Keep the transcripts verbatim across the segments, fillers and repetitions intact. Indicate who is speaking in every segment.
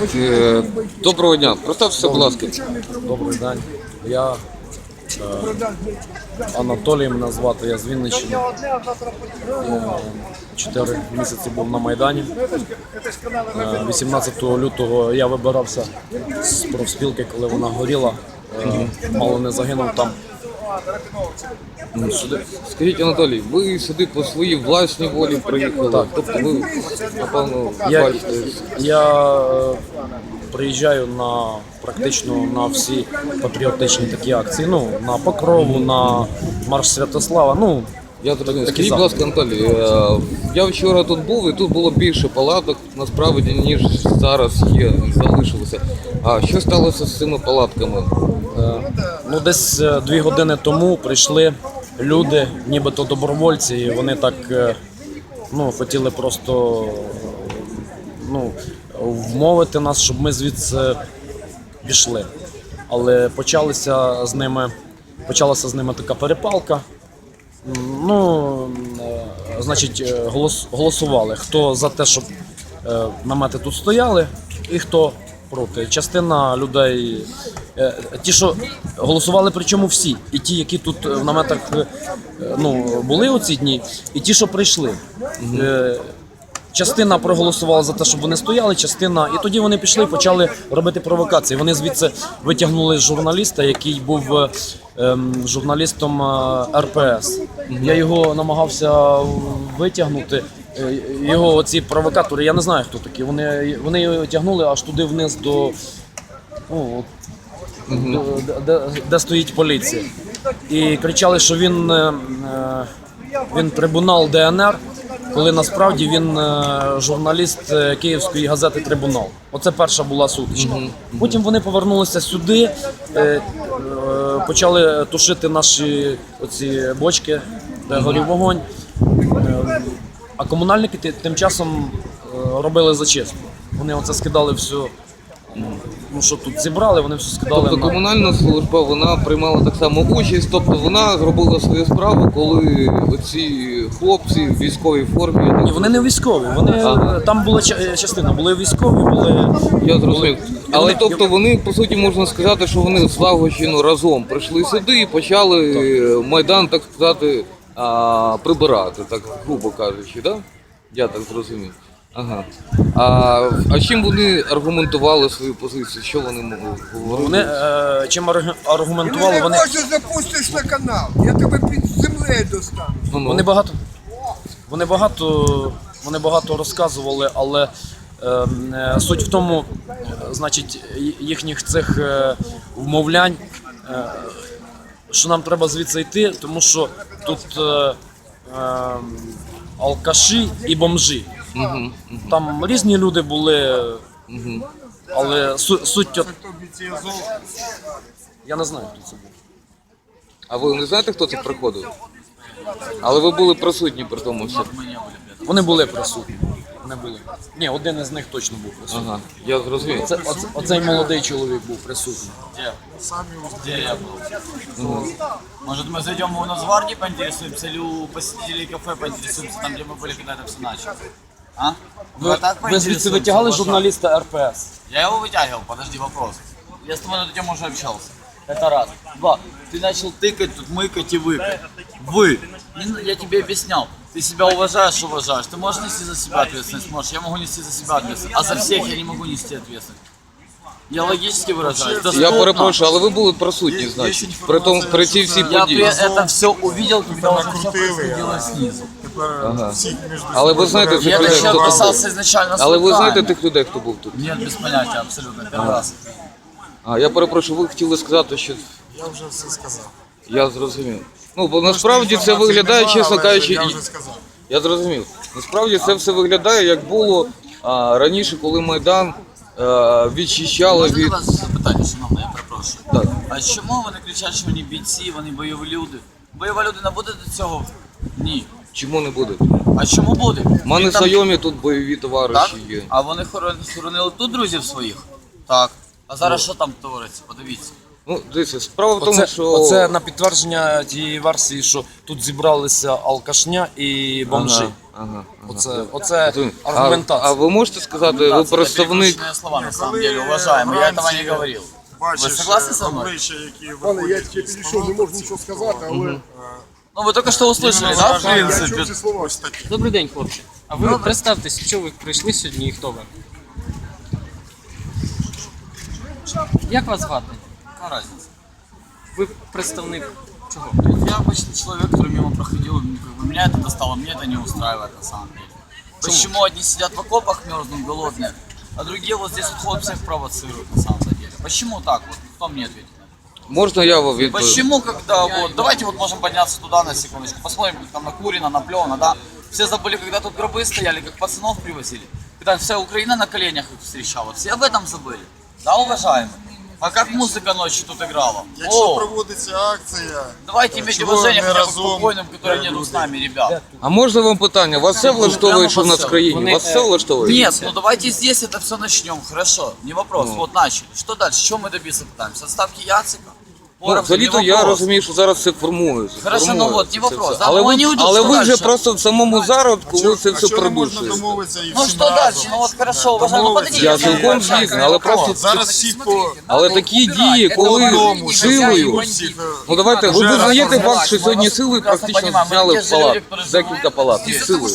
Speaker 1: Е, Доброго дня. Представтеся, будь ласка.
Speaker 2: Добрий день. Я е, Анатолій мене звати, я з Вінниччини. Я Чотири місяці був на Майдані. Е, вісімнадцятого лютого я вибирався з профспілки, коли вона горіла. Е, мало не загинув там.
Speaker 1: Сюди. Скажіть, Анатолій, ви сюди по своїй власній волі приїхали?
Speaker 2: Так.
Speaker 1: Тобто ви, напевно,
Speaker 2: Я,
Speaker 1: бачите.
Speaker 2: я е, приїжджаю на практично на всі патріотичні такі акції. Ну, на Покрову, на Марш Святослава. Ну,
Speaker 1: Я зрозумів.
Speaker 2: такі
Speaker 1: Скажіть, будь ласка, Анатолій, е, я вчора тут був і тут було більше палаток, насправді, ніж зараз є, залишилося. А що сталося з цими палатками?
Speaker 2: Е, Ну, десь е, дві години тому прийшли люди, нібито добровольці, і вони так е, ну, хотіли просто ну, вмовити нас, щоб ми звідси пішли. Але почалися з ними, почалася з ними така перепалка. Ну, е, значить, е, голос, голосували, хто за те, щоб е, намети тут стояли, і хто проти. Частина людей, е, ті, що голосували, причому всі, і ті, які тут в наметах е, ну, були у ці дні, і ті, що прийшли. Е, Частина проголосувала за те, щоб вони стояли, частина, і тоді вони пішли і почали робити провокації. Вони звідси витягнули журналіста, який був е, ем, журналістом е, ер пе ес. Я його намагався витягнути. Е, Його оці провокатори, я не знаю, хто такі. Вони, вони його тягнули аж туди вниз до, ну, до де, де, де стоїть поліція. І кричали, що він, е, він трибунал де ен ер. Коли насправді він е, журналіст е, київської газети «Трибунал». Оце перша була сутичка. Mm-hmm. Потім вони повернулися сюди, е, е, почали тушити наші оці бочки, де mm-hmm. горів вогонь. Е, а комунальники тим часом е, робили зачистку. Вони оце скидали все, ну, що тут зібрали, вони все скидали.
Speaker 1: Тобто
Speaker 2: на...
Speaker 1: комунальна служба, вона приймала так само участь, тобто вона зробила свою справу, коли оці хлопці в військовій формі...
Speaker 2: Ні, вони не військові, вони,
Speaker 1: ага.
Speaker 2: там була частина, були військові, були...
Speaker 1: Я зрозумів. Але
Speaker 2: вони...
Speaker 1: тобто вони, по суті, можна сказати, що вони злагоджено разом прийшли сюди і почали так. Майдан, так сказати, а, прибирати, так грубо кажучи, да? Я так зрозумів. Ага. А, а чим вони аргументували свою позицію? Що вони говорили?
Speaker 2: Вони е, чим аргументували? Вони
Speaker 3: Ти не запустиш на канал, я тебе під землею достану.
Speaker 1: Ну-ну.
Speaker 2: Вони багато, вони багато, вони багато розказували, але е, е, суть в тому, е, значить, їхніх цих е, вмовлянь, е, що нам треба звідси йти, тому що тут е, е, алкаші і бомжі.
Speaker 1: Угу, угу.
Speaker 2: Там різні люди були,
Speaker 1: Угу.
Speaker 2: але суть, суть от... Я не знаю, хто це був.
Speaker 1: А ви не знаєте, хто це приходив? Але ви були присутні при тому всьому?
Speaker 2: Вони були присутні. Вони були. Ні, один із них точно був присутній.
Speaker 1: Ага, я зрозумів.
Speaker 2: Оце, оце, оцей молодий чоловік був присутній.
Speaker 4: Где? Где я был? Ну. Может, мы зайдем у Нацгвардии поинтересуемся, или у посетителей кафе поинтересуемся, там, где мы были, когда это все началось? А?
Speaker 2: Ви,
Speaker 4: Вот так
Speaker 2: ви звідси
Speaker 4: поинтересуемся,
Speaker 2: витягали
Speaker 4: уважаемый.
Speaker 2: журналіста ер пе ес?
Speaker 4: Я его вытягивал, подожди, вопрос. Я с тобой на эту тему уже общался. Это раз. Два. Ты начал тыкать, тут мыкать и выкать. Вы. Не- Я тебе объяснял. Ты себя уважаешь, уважаешь. Ты можешь нести за себя ответственность? Можешь. Я могу нести за себя ответственность. А за всех я не могу нести ответственность. Я логически выражаюсь.
Speaker 1: Я
Speaker 4: Доступно.
Speaker 1: перепрошую, але ви були присутні, значить, при, тому, при цій всій
Speaker 4: Я при
Speaker 1: події.
Speaker 4: это все увидел, когда уже все происходило снизу.
Speaker 1: Ага. Але ви знаєте
Speaker 4: Я
Speaker 1: тих
Speaker 4: это
Speaker 1: людей,
Speaker 4: еще
Speaker 1: хто тут
Speaker 4: писался
Speaker 1: був?
Speaker 4: изначально с
Speaker 1: Але ви знаєте
Speaker 4: руками.
Speaker 1: тих людей, хто був тут?
Speaker 4: Нет, без понятия, абсолютно. Первый раз.
Speaker 1: А, я перепрошую, ви хотіли сказати, що...
Speaker 3: Я вже все сказав.
Speaker 1: Я зрозумів. Ну, бо насправді це виглядає, чесно кажучи...
Speaker 3: Я
Speaker 1: і-
Speaker 3: вже сказав.
Speaker 1: Я зрозумів. Насправді це все виглядає, як було а, раніше, коли Майдан а, відчищали
Speaker 4: Можна до
Speaker 1: від...
Speaker 4: вас запитання, шановне, я перепрошую.
Speaker 1: Так.
Speaker 4: А чому вони кричать, що вони бійці, вони бойові люди? Бойова людина буде до цього? Ні.
Speaker 1: Чому не буде?
Speaker 4: А чому буде?
Speaker 1: У мене
Speaker 4: Він там-
Speaker 1: знайомі тут бойові
Speaker 4: Так?
Speaker 1: товариші є.
Speaker 4: А вони хорон- хоронили тут друзів своїх? Так. А зараз що там твориться? Подивіться.
Speaker 1: Ну, дивіться, справа в тому,
Speaker 2: Оце,
Speaker 1: що...
Speaker 2: оце на підтвердження тієї версії, що тут зібралися алкашня і бомжи.
Speaker 1: Ага, ага, ага.
Speaker 2: Оце, оце
Speaker 1: А,
Speaker 2: аргументація.
Speaker 1: а ви можете сказати, ви
Speaker 4: Это
Speaker 1: представник...
Speaker 4: перекрученные слова, на самом деле, уважаемый, я этого не говорил. Вы согласны со мной?
Speaker 5: обличчя, які
Speaker 3: Пане, я
Speaker 5: виходять
Speaker 3: тільки
Speaker 5: із
Speaker 3: підійшов, не можу нічого сказати, але
Speaker 4: Ну вы только что услышали, да, в
Speaker 3: я
Speaker 4: принципе?
Speaker 3: чув ці слова.
Speaker 6: Добрий день, хлопці. А ви представтесь, що ви прийшли сьогодні і хто ви? Як вас звати?
Speaker 4: Какая разница?
Speaker 6: Ви представник чого?
Speaker 4: Я обычный человек, который мимо проходил, ну, как бы меня это достало, мне это не устраивает на самом деле. Почему одни сидят в окопах мерзнут голодные, а другие вот здесь вот ходят, всех провоцируют на самом деле? Почему так вот? Кто мне ответит?
Speaker 1: Можна я вам відповім?
Speaker 4: Почему, когда вот, давайте вот можем подняться туда на секундочку, посмотрим, как там накурено, наплевано, да? Все забыли, когда тут гробы стояли, как пацанов привозили, когда вся Украина на коленях их встречала, все об этом забыли, да, уважаемые? А как музыка ночью тут играла?
Speaker 5: Якщо
Speaker 4: О,
Speaker 5: проводиться акція,
Speaker 4: давайте иметь
Speaker 5: чого
Speaker 4: уважение
Speaker 5: не
Speaker 4: хотя бы к
Speaker 5: разом
Speaker 4: покойным, которые нету с нами, ребят.
Speaker 1: А можна вам питання? Вас все влаштовує, що в нас в країні? Вас все влаштовує?
Speaker 4: Нет, ну давайте здесь это все начнем, хорошо, не вопрос, вот начали. Что дальше, чего мы добиться пытаемся? Отставки Яцика?
Speaker 1: Ну,
Speaker 4: Боровца, не
Speaker 1: взагалі-то я
Speaker 4: вопрос.
Speaker 1: розумію, що зараз це формується.
Speaker 4: Хорошо, ну
Speaker 1: формується
Speaker 4: от, не
Speaker 1: це
Speaker 4: вопрос.
Speaker 1: все.
Speaker 4: Да,
Speaker 1: Але
Speaker 4: ну,
Speaker 1: ви,
Speaker 4: вони уйдуть,
Speaker 1: але
Speaker 4: що
Speaker 1: ви вже
Speaker 4: дальше?
Speaker 1: просто в самому зародку ви це
Speaker 5: а
Speaker 1: все
Speaker 5: чого не можна
Speaker 1: придушуєте.
Speaker 5: домовитися і
Speaker 4: Ну
Speaker 5: всім
Speaker 4: что дальше?
Speaker 5: разом?
Speaker 4: Ну вот хорошо, уважаемый, ну подождите.
Speaker 1: Я
Speaker 4: я
Speaker 1: цілком
Speaker 4: не знаю,
Speaker 1: згідний, але просто
Speaker 5: Зараз всі по
Speaker 1: але такі дії, коли
Speaker 5: одному
Speaker 1: силою.
Speaker 5: всіх, е,
Speaker 1: Ну давайте, ви
Speaker 5: Вже
Speaker 1: визнаєте
Speaker 5: раз
Speaker 1: факт, що сьогодні силою
Speaker 4: прекрасно
Speaker 1: практично
Speaker 4: понимаем,
Speaker 1: зняли
Speaker 4: мы
Speaker 1: в
Speaker 4: те же
Speaker 1: палат,
Speaker 4: люди, которые
Speaker 1: декілька палат,
Speaker 5: Из-за
Speaker 1: силою.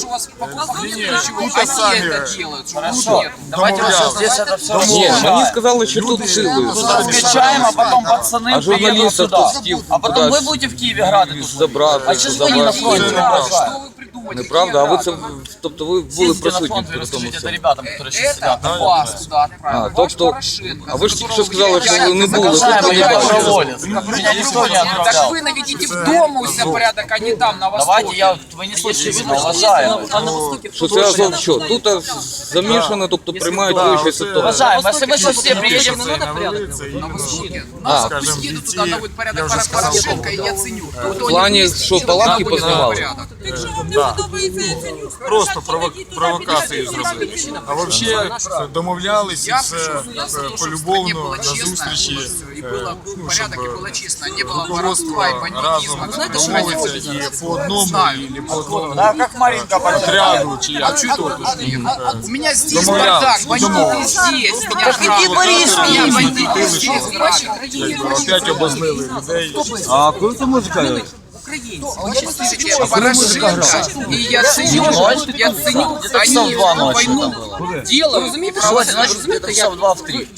Speaker 5: тут самі
Speaker 4: Хорошо, давайте вот сейчас
Speaker 5: домовлялись.
Speaker 4: здесь это все
Speaker 1: Ні, мені
Speaker 4: раскачаем.
Speaker 1: сказали, що тут силою.
Speaker 4: Тут раскачаем, а потом пацаны
Speaker 1: А
Speaker 4: приедут
Speaker 1: журналістів
Speaker 4: сюда.
Speaker 1: тут стів
Speaker 4: А потом вы
Speaker 1: кудись
Speaker 4: будете в Киеве грады тут
Speaker 1: забрати,
Speaker 4: А что же вы не на фронте не
Speaker 1: забрати.
Speaker 4: уважаете?
Speaker 1: Неправда, а ви це, тобто ви були
Speaker 4: Съездите на
Speaker 1: присутні
Speaker 4: фронт и
Speaker 1: при тому
Speaker 4: расскажите это
Speaker 1: всьому.
Speaker 4: ребятам, которые сейчас сидят.
Speaker 7: Это вас туда отправил.
Speaker 1: А,
Speaker 7: Ваш
Speaker 1: тобто,
Speaker 7: Порошенко,
Speaker 1: а ви ж тільки що
Speaker 7: которого
Speaker 1: сказали, що ви не були,
Speaker 4: Уважаемый,
Speaker 1: тут не
Speaker 4: я
Speaker 1: бачили.
Speaker 4: доброволец. Меня никто не
Speaker 7: Так
Speaker 4: отправлял.
Speaker 7: вы наведите в дома у себя порядок, а не там, на востоке.
Speaker 4: Давайте я, вы не слышите, видно, уважаемый.
Speaker 6: А на востокі
Speaker 1: Що це Азов що? Тут а, замішано, тобто приймають вищі ситуації.
Speaker 4: Уважаемый, если мы сейчас все приедем,
Speaker 6: не надо порядок.
Speaker 7: На востоке.
Speaker 1: А,
Speaker 7: Нас
Speaker 5: скажем,
Speaker 7: пусть едут
Speaker 5: бійці,
Speaker 7: туда, наводят порядок
Speaker 5: я вже
Speaker 7: Пора-
Speaker 5: сказав,
Speaker 7: Порошенко, и я ценю.
Speaker 1: в плані, що палатки познавали?
Speaker 8: Якщо вам не подобається Яценюк,
Speaker 5: просто
Speaker 8: Порошенко,
Speaker 5: прово-
Speaker 8: йдіть туди,
Speaker 5: провокації
Speaker 8: підійдіть,
Speaker 5: зробили.
Speaker 8: підійдіть.
Speaker 5: А взагалі домовлялись і
Speaker 7: Я
Speaker 5: все
Speaker 7: пришел, я
Speaker 5: е,
Speaker 7: слышал, что в стране
Speaker 5: полюбовно
Speaker 7: было
Speaker 5: на
Speaker 7: честно,
Speaker 5: зустрічі,
Speaker 7: и
Speaker 5: е,
Speaker 7: было
Speaker 5: ну,
Speaker 7: порядок, и
Speaker 5: щоб
Speaker 7: было честно, не было
Speaker 5: руководство
Speaker 7: воровства и
Speaker 5: разом
Speaker 7: бандитизма. Знаете, что
Speaker 5: домовиться
Speaker 7: они
Speaker 5: і по одному,
Speaker 7: Знаю.
Speaker 5: і по одному
Speaker 4: да, как Маринка
Speaker 5: отряду, чи
Speaker 7: А
Speaker 5: як.
Speaker 7: что тут? У меня здесь
Speaker 5: Домовлялись,
Speaker 7: бардак, бандиты
Speaker 5: домовились.
Speaker 7: здесь. Меня
Speaker 4: Так иди, Борис,
Speaker 7: меня
Speaker 4: иди.
Speaker 7: бандиты здесь.
Speaker 5: Опять обозлили людей.
Speaker 7: А коли це музика? Слушайте, а Порошенко и я ценю, я ценю, они
Speaker 4: часов два
Speaker 7: эту
Speaker 4: ночи
Speaker 7: войну
Speaker 4: это
Speaker 7: делают.
Speaker 4: Сегодня, значит, где-то часа в два, в три.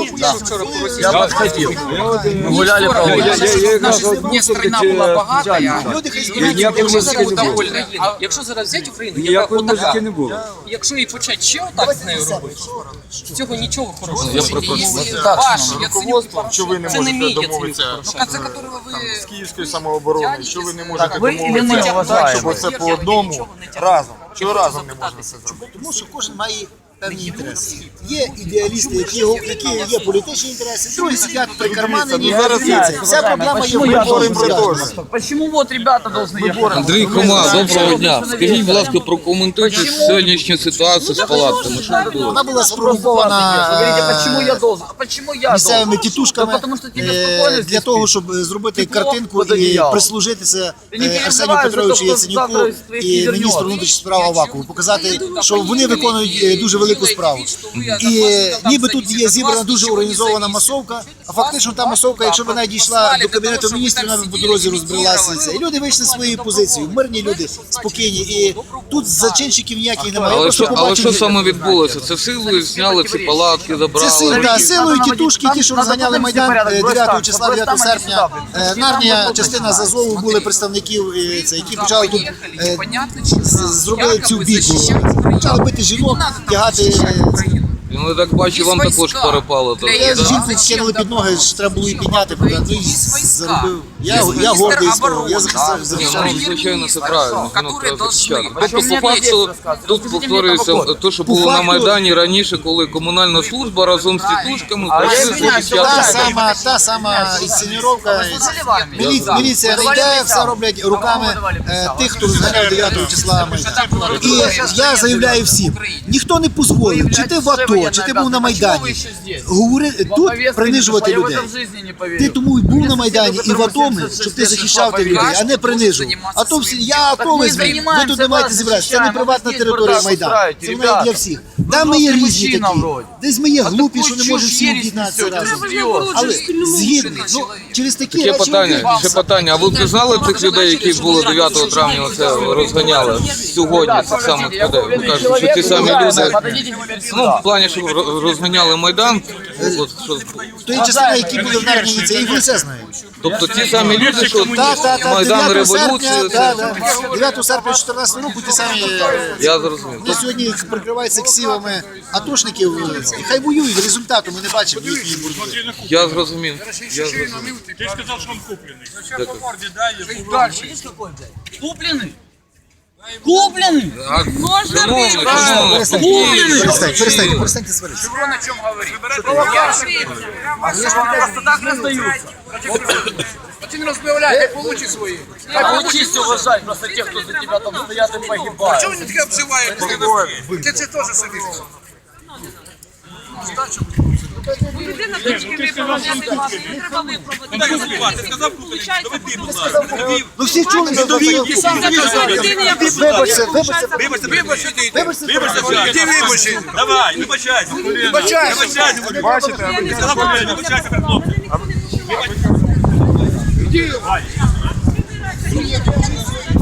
Speaker 4: Я
Speaker 7: Я
Speaker 4: подходил. Мы гуляли по улице.
Speaker 7: Мне страна была богатая, и люди были довольны. А
Speaker 6: Якщо зараз взяти Україну, яка отака, якщо і почати ще отак з нею робити, з цього нічого хорошого.
Speaker 1: Я перепрошую.
Speaker 7: если ваш, я ценю
Speaker 5: Що ви не
Speaker 6: Це не мій
Speaker 5: можете
Speaker 6: Яценюк
Speaker 5: домовитися
Speaker 7: в конце которого вы
Speaker 5: з Київської самооборони, що ви не можете
Speaker 4: ви і
Speaker 5: домовитися
Speaker 4: не
Speaker 5: так,
Speaker 4: вважаєте.
Speaker 5: щоб оце по одному разом. Чого разом не можна це зробити?
Speaker 9: Тому що кожен має певні інтереси. Є ідеалісти, які, які є політичні інтереси, другі сидять прикарманені.
Speaker 5: Ну, зараз
Speaker 9: Дивіться, вся проблема є в
Speaker 4: Почему я
Speaker 9: виборі
Speaker 5: говоримо про те ж.
Speaker 4: Почему вот ребята должны ехать?
Speaker 1: Андрій Хома, доброго дня. Скажіть, будь ласка, прокоментуйте сьогоднішню ситуацію з палатками. Що було?
Speaker 9: Вона була
Speaker 4: Вы
Speaker 9: спровокована
Speaker 4: говорите, почему я должен? А почему я
Speaker 9: місцевими
Speaker 4: должен?
Speaker 9: тітушками
Speaker 4: Та потому що тебе
Speaker 9: е,
Speaker 4: спокійно
Speaker 9: для
Speaker 4: здесь
Speaker 9: того, щоб зробити
Speaker 4: Тепло
Speaker 9: картинку
Speaker 4: під
Speaker 9: і
Speaker 4: одіялом.
Speaker 9: прислужитися
Speaker 4: Ти не
Speaker 9: е,
Speaker 4: переживай
Speaker 9: Арсенію
Speaker 4: за
Speaker 9: Петровичу
Speaker 4: те, хто
Speaker 9: Яценюку
Speaker 4: завтра з твоїх
Speaker 9: і
Speaker 4: не
Speaker 9: міністру
Speaker 4: вернеться.
Speaker 9: внутрішніх справ Авакову, показати, що вони виконують е, дуже велику справу. І ніби тут є зібрана дуже організована масовка, а фактично та масовка, якщо б вона дійшла до Кабінету міністрів, вона б по дорозі розбрелася. І люди вийшли своєю позицією, мирні люди, спокійні. І тут зачинщиків ніяких немає. Я
Speaker 1: Але
Speaker 9: просто
Speaker 1: що, але
Speaker 9: побачив
Speaker 1: що
Speaker 9: людей.
Speaker 1: саме відбулося? Це силою зняли ці палатки,
Speaker 9: Це сил,
Speaker 1: забрали.
Speaker 9: да, силою тітушки, ті, що розганяли Майдан е, дев'ятого числа, дев'ятого серпня. Е, Нарнія, частина з Азову були представників, е, це, які почали тут е, з- зробили цю бійку. Почали бити жінок, тягати. е,
Speaker 1: Ну, я так бачу, вам також перепало. то,
Speaker 9: Я
Speaker 1: да?
Speaker 9: жінку кинули під ноги, ж треба було її підняти, правда, ну, і заробив. Я, я гордий з того, я захищав, захищав.
Speaker 1: Ну, звичайно, це правильно. Ну,
Speaker 7: которые
Speaker 1: треба
Speaker 7: должны.
Speaker 1: захищати.
Speaker 7: А
Speaker 1: Тобто,
Speaker 4: чому
Speaker 1: по
Speaker 4: мені
Speaker 1: факту,
Speaker 4: розказуєте?
Speaker 1: тут
Speaker 4: Розкажіть мені
Speaker 1: повторюється
Speaker 4: про
Speaker 1: те, що
Speaker 9: По
Speaker 1: було на
Speaker 9: факту-
Speaker 1: Майдані раніше, коли комунальна служба разом з тітушками
Speaker 4: А я
Speaker 1: прийшли
Speaker 4: извиняюсь,
Speaker 1: захищати.
Speaker 9: Та сама, та сама інсценіровка. Мілі, міліція не йде, все роблять руками е, тих, хто розганяв дев'ятого числа Майдан. І я заявляю всім, ніхто не дозволив, чи ти в АТО, АТО, чи ти був на Майдані, говори тут принижувати людей. Ти тому й був на Майдані і в АТО, щоб ти захищав тих людей, а не принижував. А то всі, я АТО візьму, ви тут не маєте зібратися. Це не приватна територія Майдану. Це вона для всіх. Да, ми є різні такі. Десь ми є глупі, що не можемо всі об'єднатися разом. Але згідні, ну, через такі
Speaker 1: Ще
Speaker 9: речі...
Speaker 1: питання, ще питання. А ви пізнали цих людей, які були дев'ятого травня оце розганяли сьогодні, цих самих людей? Ви кажете, що ті самі люди, ну, в плані, що ро- розганяли Майдан, от, що,
Speaker 9: Тої частини, які були в Нарні, це їх все знає.
Speaker 1: тобто ті самі люди, що
Speaker 9: Так, так, так,
Speaker 1: Майдан,
Speaker 9: дев'ятого
Speaker 1: революцію,
Speaker 9: серпня,
Speaker 1: це,
Speaker 9: так, так. дев'ятого серпня чотирнадцятого року ті самі... е,
Speaker 1: я зрозумів.
Speaker 9: Вони сьогодні прикриваються ксивами атошників. І хай воюють, результату ми не бачимо їхньої боротьби.
Speaker 1: Я зрозумів. Я зрозумів.
Speaker 10: Ты же сказал, что он купленный.
Speaker 4: Купленный? Купленный?
Speaker 1: А, шановний, шановний,
Speaker 9: Перестаньте, перестаньте, перестаньте сваритися.
Speaker 4: Шеврон о чем говорит? Просто так не сдаются.
Speaker 3: Ти не розмовляй, хай получи свої.
Speaker 4: Научись уважать просто тех, кто за тебя там стоят и погибают.
Speaker 3: Чого вони таке обзивають? Ти це теж собі.
Speaker 8: Людина точки виправдати вас, не треба виправдати.
Speaker 10: Ти сказав куплений, доведи, будь ласка.
Speaker 9: Ну всі чули, що
Speaker 8: Людина, яка
Speaker 9: Вибачте, вибачте,
Speaker 10: Вибачте,
Speaker 3: Вибачте, ти йди.
Speaker 9: вибачте.
Speaker 10: вибачте,
Speaker 3: Ти вибачте.
Speaker 10: Давай, вибачайся.
Speaker 3: Вибачайся.
Speaker 10: Вибачайся.
Speaker 3: Бачите,
Speaker 10: Сказав куплений, вибачайся перед хлопцем.